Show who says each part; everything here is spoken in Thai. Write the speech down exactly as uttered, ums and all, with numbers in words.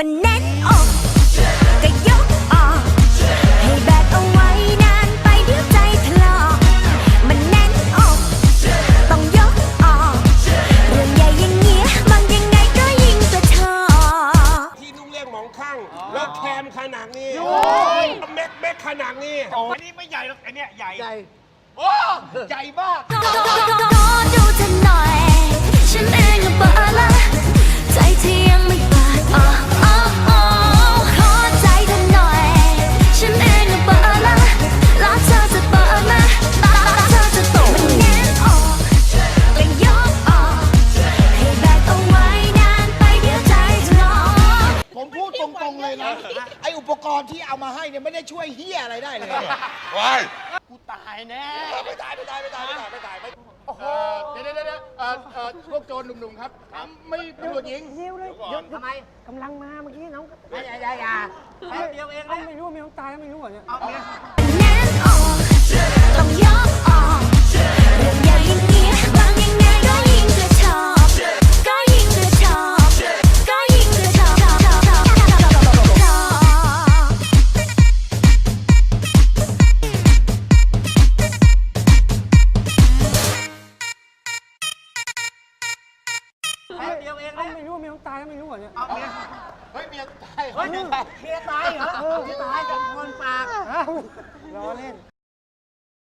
Speaker 1: มันแน่นอกก็ยกออกให้แบกเอาไว้นานไปเดี๋ยวใจถลอกมันแน่นอกต้องยกออกเรื่องใหญ่อย่างเงี้ยมันยังไงก็ยิ่งกระชอก
Speaker 2: ที่นุ่งเรียกหมองข้างแล้วแคมขนาดนี้เม็ดเม็ดขนาดนี้
Speaker 3: อันนี้ไม่ใหญ่หรอกไอเนี้ยใหญ่
Speaker 4: ใหญ่
Speaker 3: โอ้ใหญ่มาก
Speaker 1: ขอดูเธอหน่อยฉันเองก็เบอละใจที่ยังไม่เปิดอ๋ออ๋ออ๋อขอใจเธอหน่อยฉันเองก็เบอละแล้วเธอจะเปิดไหมแล้วเธอจะตกมันแน่นออกก็ยกออกให้แบกเอาไว้นานไปเดี๋ยวใจจะลอก
Speaker 4: ผมพูดตรงๆเลยนะ ไออุปกรณ์ที่เอามาให้เนี่ยไม่ได้ช่วยเฮียอะไรได้เลย
Speaker 2: ว้าย
Speaker 3: กูตายแน่
Speaker 2: ไม่ตายไม่ตายไม่ตายไม่ตายไม่ตายไม่
Speaker 4: โอ้โห เดี๋ยวเดี๋ยวเดี๋ยวเอ่อเอ่อพวกโจรหนุ่มๆครับ ไม่ตำรวจหญิง
Speaker 5: เร็วเลยเดี๋ยวทำไมกำลังมาเมื่อกี้น้อง
Speaker 4: อย่าอย่าอย่า
Speaker 3: แป๊บเดียวเอง
Speaker 5: เอ้า
Speaker 3: นะ
Speaker 5: ไม่รู้ว่ามีน้องตายแล้วไม่รู้เหรอเนี่ย
Speaker 3: เอาเนี่ย
Speaker 1: แน่นออกต้องยกออกเรื่องใหญ่อย่างเงี้ยบางยังไงก็ยิ่งกระชอกก็ยิ่งกระชอกก็ยิ่งกระชอกชอกชอกชอกชอก
Speaker 3: แป๊บเดียวเอง
Speaker 5: เอ้า
Speaker 3: นะ
Speaker 5: ไม่รู้ว่ามีน้องตายแล้วไม่รู้เหรอเนี่ย
Speaker 3: เอาเนี่ย
Speaker 4: เฮ้ยเมียตาย
Speaker 3: เฮ้ยเมียตายเหรอ
Speaker 5: เออ
Speaker 3: เมียตายเป็นคนปาก
Speaker 5: เอ้าล้อเล่น